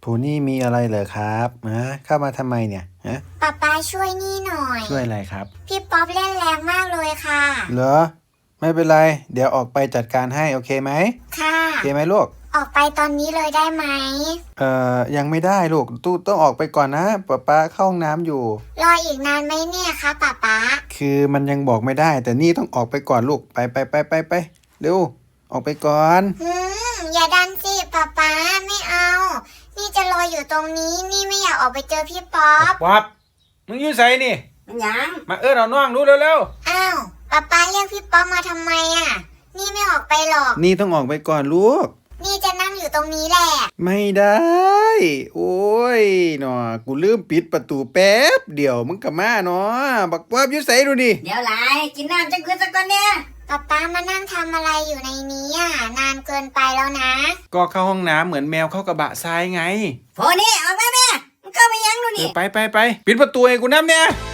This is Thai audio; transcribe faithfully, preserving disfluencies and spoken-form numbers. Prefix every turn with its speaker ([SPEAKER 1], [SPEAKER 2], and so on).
[SPEAKER 1] ผูนี่มีอะไรเหรอครับฮะเข้ามาทำไมเนี่ยฮะ
[SPEAKER 2] ป๊าป๊าช่วยนี่หน่อย
[SPEAKER 1] ช่วยอะไรครับ
[SPEAKER 2] พี่ป๊อปเล่นแรงมากเลยค่ะ
[SPEAKER 1] เหรอไม่เป็นไรเดี๋ยวออกไปจัดการให้โอเคไหม
[SPEAKER 2] ค่ะ
[SPEAKER 1] โอเคไหมลูก
[SPEAKER 2] ออกไปตอนนี้เลยได้ไหม
[SPEAKER 1] เอ่อยังไม่ได้ลูกตู้ต้องออกไปก่อนนะป๊าป๊าเข้าห้องน้ำอยู่
[SPEAKER 2] รออีกนานไหมเนี่ยคะป๊าป๊า
[SPEAKER 1] คือมันยังบอกไม่ได้แต่นี่ต้องออกไปก่อนลูกไปไปไปไปไปเร็วออกไปก่อน
[SPEAKER 2] อืมอย่าดันสิป๊าป๊าไม่เอา นี่จะรออยู่ตรงนี้นี่ไม่อยากออกไปเจอพี่ป๊อป
[SPEAKER 1] ป๊อปมึงอยู่ไสนี่
[SPEAKER 2] มันยัง
[SPEAKER 1] มาเอิ้นเอาน้องดูเร็ว
[SPEAKER 2] ๆอ้าวป๊าป๊าเรียกพี่ป๊อปมาทำไมอ่ะนี่ไม่ออกไปหรอก
[SPEAKER 1] นี่ต้องออกไปก่อนลูก
[SPEAKER 2] นี่จะนั่งอยู่ตรงนี้แหละ
[SPEAKER 1] ไม่ได้โอ้ยหนอกูลืมปิดประตูแป๊บเดี๋ยวมึงกลับมาเนาะบักป๊อบอยู่ไสดูดิ
[SPEAKER 3] เดี๋ยวหลายกินน้ำจังคืนสักก่อนเนี่ย
[SPEAKER 2] ป๊าป๊ามานั่งทำอะไรอยู่ในนี้อ่ะนานเกินไปแล้วนะ
[SPEAKER 1] ก็เข้าห้องน้ำเหมือนแมวเข้ากระบะทรายไง
[SPEAKER 3] โฟนี่ออกมาแม่มึงเข้าไปยังดู
[SPEAKER 1] เอ
[SPEAKER 3] นี่
[SPEAKER 1] อไปไปไปปิดประตูให้กูน้ำเนี่ย